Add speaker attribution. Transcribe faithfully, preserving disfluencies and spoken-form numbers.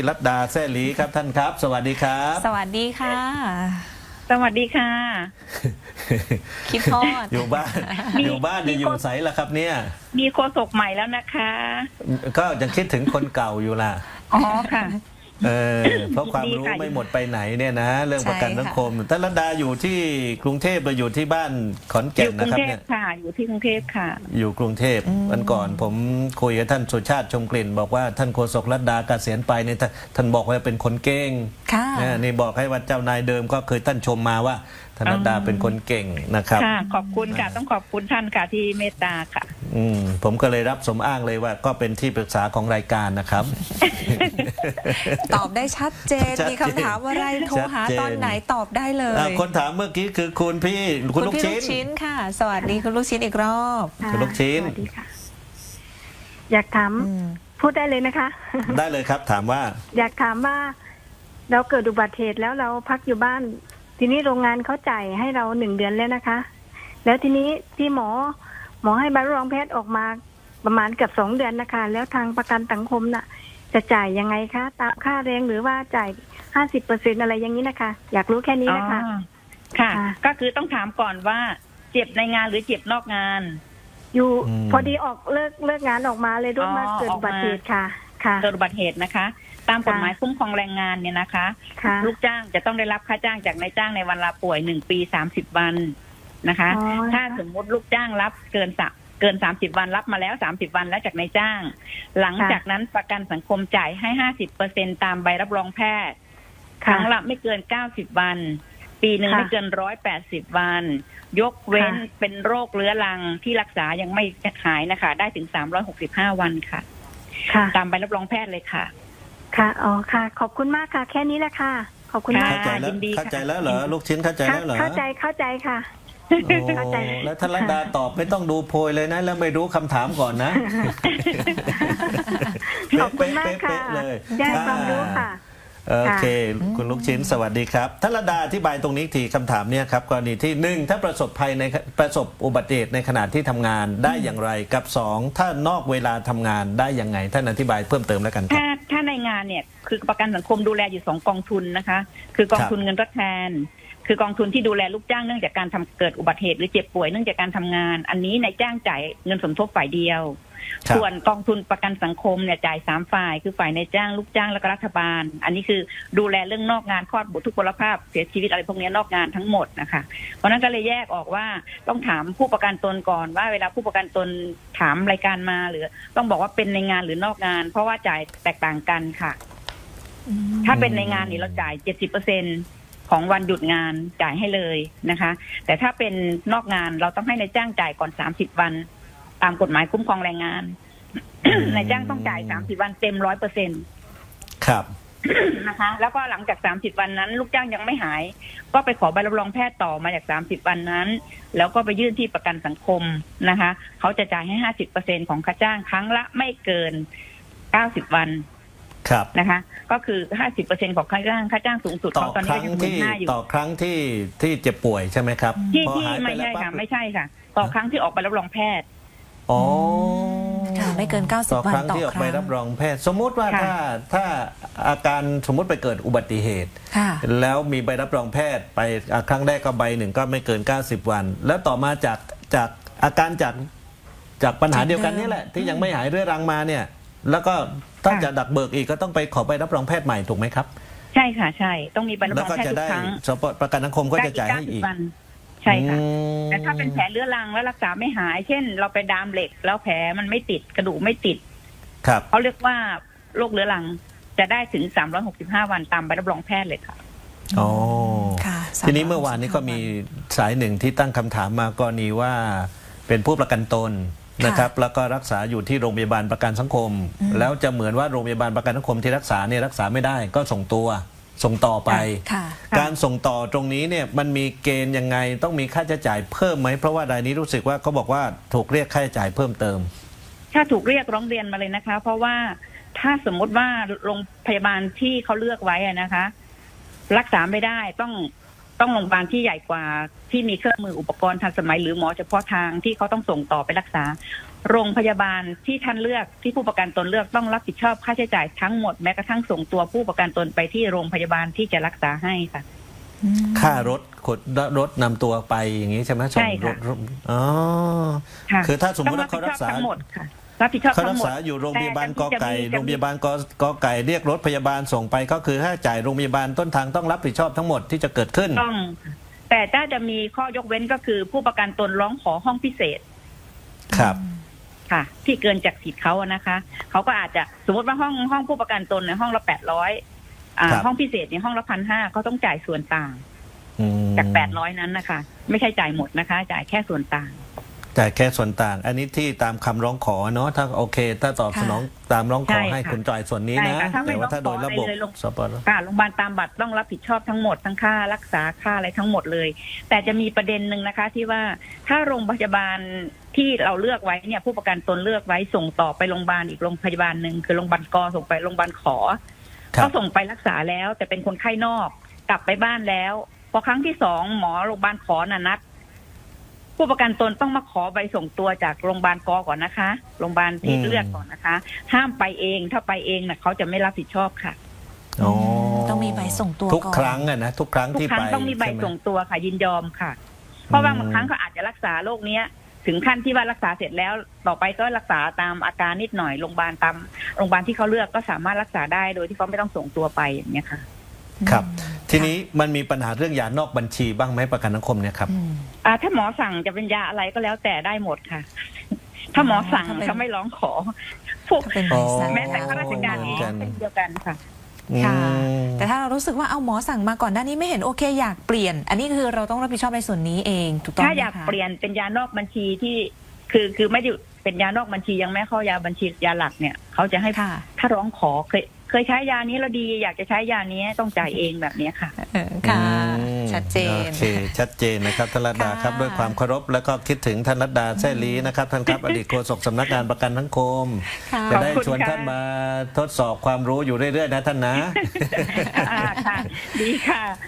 Speaker 1: รัตดาแซ่หลีครับท่านครับสวัสดีครับ
Speaker 2: สวัสดีค่ะ
Speaker 3: สวัสดีค่ะ
Speaker 2: คิดทอด
Speaker 1: อยู่บ้านอยู่บ้านจะอยู่ใสล่ะครับเนี่ย
Speaker 3: มีโฆษกใหม่แล้วนะคะ
Speaker 1: ก็ยังคิดถึงคนเก่าอยู่ล่ะ
Speaker 3: อ๋อค่ะ
Speaker 1: เออเพราะความรู้ไม่หมดไปไหนเนี่ยนะ เรื่องประกันสังคมท่านรัตดาอยู่ที่กรุงเทพหรืออยู่ที่บ้านขอน
Speaker 3: อ
Speaker 1: แก่น
Speaker 3: ยู่กรุ
Speaker 1: นะ
Speaker 3: ง
Speaker 1: ครับ
Speaker 3: เทพ
Speaker 1: เนี่ย
Speaker 3: ค่ะ อยู่ที่กรุงเทพค่ะ
Speaker 1: อยู่กรุงเทพวันก่อนผมคุยกับท่านสุชาติชมกลิ่น บอกว่าท่านโฆษกรัตดาเกษียณไปเนี่ยท่านบอกว่าเป็นคนเก่ง
Speaker 2: ค่ะ
Speaker 1: นะนี่บอกให้ว่าเจ้านายเดิมก็เคยท่านชมมาว่าธนดาเป็นคนเก่งนะครับ
Speaker 3: ค่ะ ขอบคุณค่ะ ต้องขอบคุณท่านค่ะที่เมตตาค่ะ
Speaker 1: อืมผมก็เลยรับสมอ้างเลยว่าก็เป็นที่ปรึกษาของรายการนะครับ
Speaker 2: ตอบได้ชัดเจน
Speaker 1: ชัดเจน
Speaker 2: มีคำถามอะไรโทรหา
Speaker 1: ชัดเจน
Speaker 2: ตอนไหนตอบได้เลย
Speaker 1: อ่าคนถามเมื่อกี้คือคุณพี่คุณลูก
Speaker 2: พี่
Speaker 1: ชิ้
Speaker 2: ลู
Speaker 1: น
Speaker 2: กชิ้นค่ะ สวัสดีคุณลูกชิ้นอีกรอบ
Speaker 4: ค่ะ
Speaker 1: คุณลูกชิ้น
Speaker 4: สวัสดีค่ะ อยากถาม
Speaker 2: อืม
Speaker 4: พูดได้เลยนะคะ
Speaker 1: ได้เลยครับถามว่า
Speaker 4: อยากถามว่า เราเกิดอุบัติเหตุแล้วเราพักอยู่บ้าน ทีนี้โรงงานเขาจ่ายให้เราหนึ่งเดือนแล้วนะคะ แล้วทีนี้ที่หมอ หมอให้ใบรับรองแพทย์ออกมาประมาณเกือบสองเดือนนะคะ แล้วทางประกันสังคมน่ะ จะจ่ายยังไงคะตามค่าแรงหรือว่าจ่ายห้าสิบเปอร์เซ็นอะไรอย่างนี้นะคะ อยากรู้แค่นี้นะคะ
Speaker 3: อ๋อค่ะ
Speaker 4: ค่ะ
Speaker 3: ก็คือต้องถามก่อนว่าเจ็บในงานหรือเจ็บนอกงาน
Speaker 4: อยู่
Speaker 1: อืม
Speaker 4: พอดีออกเลิกเลิกงานออกมาเลยรถมา
Speaker 3: อ๋อ
Speaker 4: เกิดอุบัติเหตุค่ะ ค่ะ
Speaker 3: เกิดอุบัติเหตุนะคะ ตามกฎหมายคุ้มครองแรงงานเนี่ยนะคะ
Speaker 4: ค่ะ
Speaker 3: ลูกจ้างจะต้องได้รับค่าจ้างจากนายจ้างในวันลาป่วยหนึ่งปีสามสิบวันนะคะ
Speaker 4: อ๋อ
Speaker 3: ถ้าสมมุติลูกจ้างรับเกินสัเกินสามสิบวันรับมาแล้วสามสิบวันแล้วจากนายจ้าง หลังจากนั้นประกันสังคมจ่ายให้ห้าสิบเปอร์เซ็นตามใบรับรองแพทย์ครั้งละไม่เกินเก้าสิบวัน ปีหนึ่ง
Speaker 4: ค่ะ
Speaker 3: ไม่เกินร้อยแปดสิบวัน ยกเว้น
Speaker 4: ค่ะ
Speaker 3: เป็นโรคเรื้อรังที่รักษายังไม่หายนะคะ ได้ถึงสามร้อยหกสิบห้าวันค่ะ
Speaker 4: ค่ะ
Speaker 3: ตามใบรับรองแพทย์เลยค่ะ
Speaker 4: ค่ะ อ๋อ ค่ะ ขอบคุณมากค่ะ แค่นี้แหละค่ะ ขอบคุณมาก
Speaker 1: เข้าใจแล้ว
Speaker 3: ยินดีค่ะ
Speaker 1: เข้าใจแล้วเหรอลูกชิ้นเข้าใจแล้วเหรอ
Speaker 4: เข้าใจ เข้าใจค่ะ
Speaker 1: โอ้
Speaker 4: เข้าใจ
Speaker 1: แล้วท่านรัตดาตอบไม่ต้องดูโพยเลยนะ แล้วไม่รู้คำถามก่อนนะ
Speaker 4: ขอบคุณมากค่ะ
Speaker 1: เป๊ะๆเลย
Speaker 4: ได้ความรู้ค่ะ
Speaker 1: โอเค คุณลูกชิ้นสวัสดีครับท่านรัตดาอธิบายตรงนี้ทีคำถามเนี่ยครับกรณีที่หนึ่งถ้าประสบภัยในประสบอุบัติเหตุในขณะที่ทำงานได้อย่างไรกับสองถ้านอกเวลาทำงานได้ยังไงท่านอธิบายเพิ่มเติมแล้วกันครับ
Speaker 3: ถ้าถ้าในงานเนี่ยคือประกันสังคมดูแลอยู่สองกองทุนนะคะ คือกองทุนเงินทดแทน คือกองทุนที่ดูแลลูกจ้างเนื่องจากการทำเกิดอุบัติเหตุหรือเจ็บป่วยเนื่องจากการทำงาน อันนี้นายจ้างจ่ายเงินสมทบฝ่ายเดียว
Speaker 1: ครับ
Speaker 3: ส่วนกองทุนประกันสังคมเนี่ยจ่ายสามฝ่ายคือฝ่ายนายจ้างลูกจ้างและก็รัฐบาล อันนี้คือดูแลเรื่องนอกงานคลอดบุตรทุกพลภาพเสียชีวิตอะไรพวกนี้นอกงานทั้งหมดนะคะเพราะนั้นก็เลยแยกออกว่าต้องถามผู้ประกันตนก่อนว่าเวลาผู้ประกันตนถามรายการมาหรือต้องบอกว่าเป็นในงานหรือนอกงาน เพราะว่าจ่ายแตกต่างกันค่ะ ถ้าเป็นในงานนี่เราจ่าย เจ็ดสิบเปอร์เซ็นต์ ของวันหยุดงานจ่ายให้เลยนะคะ แต่ถ้าเป็นนอกงานเราต้องให้นายจ้างจ่ายก่อนสามสิบวัน ตามกฎหมายคุ้มครองแรงงาน นายจ้างต้องจ่ายสามสิบวันเต็ม ร้อยเปอร์เซ็นต์
Speaker 1: ครับ
Speaker 3: นะคะ แล้วก็หลังจากสามสิบวันนั้น ลูกจ้างยังไม่หาย ก็ไปขอใบรับรองแพทย์ต่อมาจากสามสิบวันนั้น แล้วก็ไปยื่นที่ประกันสังคมนะคะเขาจะจ่ายให้ ห้าสิบเปอร์เซ็นต์ ของค่าจ้างครั้งละไม่เกินเก้าสิบวัน
Speaker 1: ครับ
Speaker 3: นะคะ ก็คือ ห้าสิบเปอร์เซ็นต์ ของค่าจ้างค่าจ้างสูงสุด
Speaker 1: ต่อ
Speaker 3: เขาตอน
Speaker 1: ค
Speaker 3: นี้
Speaker 1: รั้
Speaker 3: ก็
Speaker 1: ง
Speaker 3: ยังหมื่
Speaker 1: ที่
Speaker 3: นห้าอยู่
Speaker 1: ต่อครั้งที่ที่เจ็บป่วยใช่ไหมครับ
Speaker 3: ที่
Speaker 1: พอ
Speaker 3: ที่
Speaker 1: หายป
Speaker 3: ไม่
Speaker 1: แล้ว
Speaker 3: ใช่
Speaker 1: ปั๊บ
Speaker 3: ค่ะไม่ใช่ค่ะ ต่อครั้งที่ออกใบรับรองแพทย์
Speaker 1: อ๋อ
Speaker 2: ค่ะไม่เกินเก้าสิบ
Speaker 1: ต่อ
Speaker 2: วัน
Speaker 1: ครั้ง
Speaker 2: ต่อ
Speaker 1: ที่ออก
Speaker 2: ค
Speaker 1: ใบ
Speaker 2: รั้ง
Speaker 1: รับรองแพทย์ สมมุติว่า
Speaker 3: ค่ะ
Speaker 1: ถ้าถ้าอาการสมมุติไปเกิดอุบัติเหตุ
Speaker 2: ค่ะ
Speaker 1: แล้วมีใบรับรองแพทย์ไปอ่ะครั้งแรกก็ใบหนึ่งก็ไม่เกิน เก้าสิบ วัน แล้วต่อมาจากจากอาการจากจากปัญหา
Speaker 2: จากเดิม
Speaker 1: เดียวกันนี่แหละ ที่ยังไม่หายเรื้อรังมาเนี่ย แล้วก็ถ้า
Speaker 3: ค่ะ
Speaker 1: จะดักเบิกอีกก็ต้องไปขอใบรับรองแพทย์ใหม่ถูกไหมครับ
Speaker 3: ใช่ค่ะใช่ต้องมีใบรับ
Speaker 1: แล้
Speaker 3: ร
Speaker 1: ว
Speaker 3: อง
Speaker 1: ก็
Speaker 3: แพทย์
Speaker 1: จะ
Speaker 3: ทุ
Speaker 1: ได้
Speaker 3: กครั้ง
Speaker 1: สปประกันสังคมก็จะจ่ายให้อีก
Speaker 3: ได้วันใช่ค่ะ
Speaker 1: อืม
Speaker 3: แต่ถ้าเป็นแผลเรื้อรังแล้วรักษาไม่หาย เช่น เราไปดามเหล็ก แล้วแผลมันไม่ติดกระดูกไม่ติด
Speaker 1: ครับ
Speaker 3: เขาเรียกว่าโรคเรื้อรังจะได้ถึงสามร้อยหกสิบห้าวันตามใบรับรองแพทย์เลยค่ะ
Speaker 1: อ๋อ
Speaker 2: ค่ะ
Speaker 1: ทีนี้เมื่อวานนี้ก็มีสายหนึ่งที่ตั้งคำถามมากรณีว่าเป็นผู้ประกันตนนะครับ แล้วก็รักษาอยู่ที่โรงพยาบาลประกันสังคม แล้วจะเหมือนว่าโรงพยาบาลประกันสังคมที่รักษาเนี่ยรักษาไม่ได้ก็ส่งตัวส่งต่อไป
Speaker 2: ค่ะ
Speaker 1: การส่งต่อตรงนี้เนี่ยมันมีเกณฑ์ยังไงต้องมีค่าใช้จ่ายเพิ่มไหมเพราะว่ารายนี้รู้สึกว่าเขาบอกว่าถูกเรียกค่าใช้จ่ายเพิ่มเติม
Speaker 3: ถ้าถูกเรียกร้องเรียนมาเลยนะคะ เพราะว่าถ้าสมมติว่าโรงพยาบาลที่เขาเลือกไว้อะนะคะ รักษาไม่ได้ต้องต้องโรงพยาบาลที่ใหญ่กว่าที่มีเครื่องมืออุปกรณ์ทันสมัยหรือหมอเฉพาะทางที่เขาต้องส่งต่อไปรักษาโรงพยาบาลที่ท่านเลือกที่ผู้ประกันตนเลือกต้องรับผิดชอบค่าใช้จ่ายทั้งหมดแม้กระทั่งส่งตัวผู้ประกันตนไปที่โรงพยาบาลที่จะรักษาให้ค่ะ
Speaker 2: อืม
Speaker 1: ค่ารถขนรถนำตัวไปอย่างนี้ใช่ไหมส่ง
Speaker 3: ใช่ค่ะ
Speaker 1: รถอ๋อ
Speaker 3: ค่ะ
Speaker 1: คือถ้าสมมติ
Speaker 3: ต้
Speaker 1: ว่า
Speaker 3: อง
Speaker 1: เขา
Speaker 3: รับ
Speaker 1: รั
Speaker 3: ผิ
Speaker 1: ก
Speaker 3: ดช
Speaker 1: ษา
Speaker 3: อบทั้งหมดค่ะรับผิดชอบ
Speaker 1: เขา
Speaker 3: ทั้
Speaker 1: รั
Speaker 3: ง
Speaker 1: ก
Speaker 3: หมด
Speaker 1: ษาอยู่โรงพยาบาลก
Speaker 3: แต่
Speaker 1: อไก่
Speaker 3: จะมี
Speaker 1: โรงพยาบาลกกอไก่เรียกรถพยาบาลส่งไปก็คือค่าจ่ายโรงพยาบาลต้นทางต้องรับผิดชอบทั้งหมดที่จะเกิดขึ้น
Speaker 3: ต้องค่ะแต่ถ้าจะมีข้อยกเว้นก็คือผู้ประกันตนร้องขอห้องพิเศษ
Speaker 1: ครับ
Speaker 3: ค่ะ ที่เกินจากสิทธิ์เขาอะนะคะเขาก็อาจจะสมมติว่าห้องห้องผู้ประกันตนในยห้องละแปดร้อยอ่า
Speaker 1: ครับ
Speaker 3: ห้องพิเศษในยห้องละพันห้าเขาต้องจ่ายส่วนต่าง
Speaker 1: อืม
Speaker 3: จากแปดร้อยนั้นนะคะ ไม่ใช่จ่ายหมดนะคะ จ่ายแค่ส่วนต่าง
Speaker 1: แต่แค่ส่วนต่าง อันนี้ที่ตามคำร้องขอเนาะถ้าโอเค ถ้าตอบ
Speaker 2: ค่ะ
Speaker 1: สนองตามร้องขอ
Speaker 3: ใช่ค่ะ
Speaker 1: ให้คุณจ่ายส่วนนี้
Speaker 3: ใช่
Speaker 1: นะ
Speaker 3: ค่ะถ้าไม่
Speaker 1: แต่ว่าถ้าโดยระบบ
Speaker 3: ร้องขออะไรเลยลง
Speaker 1: สปอร์ต
Speaker 3: ค่ะโรงพยาบาลตามบัตรต้องรับผิดชอบทั้งหมดทั้งค่ารักษาค่าอะไรทั้งหมดเลย แต่จะมีประเด็นหนึ่งนะคะ ที่ว่าถ้าโรงพยาบาลที่เราเลือกไว้เนี่ยผู้ประกันตนเลือกไว้ส่งต่อไปโรงพยาบาลอีกโรงพยาบาลหนึ่งคือโรงพยาบาลกส่งไปโรงพยาบาลขอ
Speaker 1: ครับ
Speaker 3: ก็ส่งไปรักษาแล้ว แต่เป็นคนไข้นอกกลับไปบ้านแล้วพอครั้งที่สองหมอโรงพยาบาลขอน่ะนัด ผู้ประกันตนต้องมาขอใบส่งตัวจากโรงพยาบาลกก่อนนะคะโรงพยาบาลที่
Speaker 1: อืม
Speaker 3: เลือกก่อนนะคะ ห้ามไปเองถ้าไปเองน่ะเขาจะไม่รับผิดชอบค่ะ
Speaker 1: อ๋อ
Speaker 2: ต้องมีใบส่งตัว
Speaker 1: ทุก
Speaker 2: ก่อน
Speaker 1: ครั้งอะนะทุกครั้ง
Speaker 3: ทุก
Speaker 1: ที่
Speaker 3: ครั้
Speaker 1: ไป
Speaker 3: งต้องมีใบ
Speaker 1: ช่ไห
Speaker 3: ส่งตัวค่ะยินยอมค่ะ เพราะว่าบางครั้งเขาอาจจะรักษาโรคเนี้ย ถึงขั้นที่ว่ารักษาเสร็จแล้ว ต่อไปก็รักษาตามอาการนิดหน่อยโรงพยาบาลตามโรงพยาบาลที่เขาเลือกก็สามารถรักษาได้โดยที่เขาไม่ต้องส่งตัวไปอย่างเงี้ยค่ะ
Speaker 1: ครับ
Speaker 2: อืม
Speaker 1: ทีนี้มันมีปัญหาเรื่องยานอกบัญชีบ้างไหมประกันสังคมเนี่ยครับ
Speaker 2: อืม
Speaker 3: อ่าถ้าหมอสั่งจะเป็นยาอะไรก็แล้วแต่ได้หมดค่ะ ถ้าหมอสั่ง
Speaker 2: ถ้าเป็น
Speaker 3: เขาไม่ร้องขอพวก
Speaker 2: ถ้าเป็นใบสั่ง
Speaker 3: แม้แต่ข้าราชการเอง
Speaker 1: เหมือนกัน
Speaker 3: เป็นเดียวกันค่ะ
Speaker 2: ค่ะ
Speaker 1: อืม
Speaker 2: แต่ถ้าเรารู้สึกว่าเอาหมอสั่งมาก่อนหน้านี้ไม่เห็นโอเคอยากเปลี่ยน อันนี้คือเราต้องรับผิดชอบในส่วนนี้เองถูกต้อง
Speaker 3: ถ้า
Speaker 2: ไหม
Speaker 3: อยาก
Speaker 2: คะ
Speaker 3: เปลี่ยนเป็นยานอกบัญชีที่คือคือไม่ได้เป็นยานอกบัญชียังไม่เข้ายาบัญชียาหลักเนี่ยเขาจะให้
Speaker 2: ค่ะ
Speaker 3: ถ้าร้องขอเคยเคยใช้ยานี้แล้วดี อยากจะใช้ยานี้ต้องจ่ายเองแบบนี้ค่ะ
Speaker 2: เออค่ะ
Speaker 1: อืม
Speaker 2: ชัดเจน
Speaker 1: โอเคชัดเจนนะครับท่านรัตดา
Speaker 2: ค่ะ
Speaker 1: ครับด้วยความเคารพแล้วก็คิดถึงท่านรัตดาแซ่ลีนะครับท่านครับ อดีตโฆษกสำนักงานประกันสังคม
Speaker 2: ค่ะ
Speaker 1: จะได้
Speaker 3: ขอบคุณ
Speaker 1: ชวน
Speaker 3: ค่ะ
Speaker 1: ท่านมาทดสอบความรู้อยู่เรื่อยๆนะท่านนะ
Speaker 3: อ่าค่ะ ดีค่ะ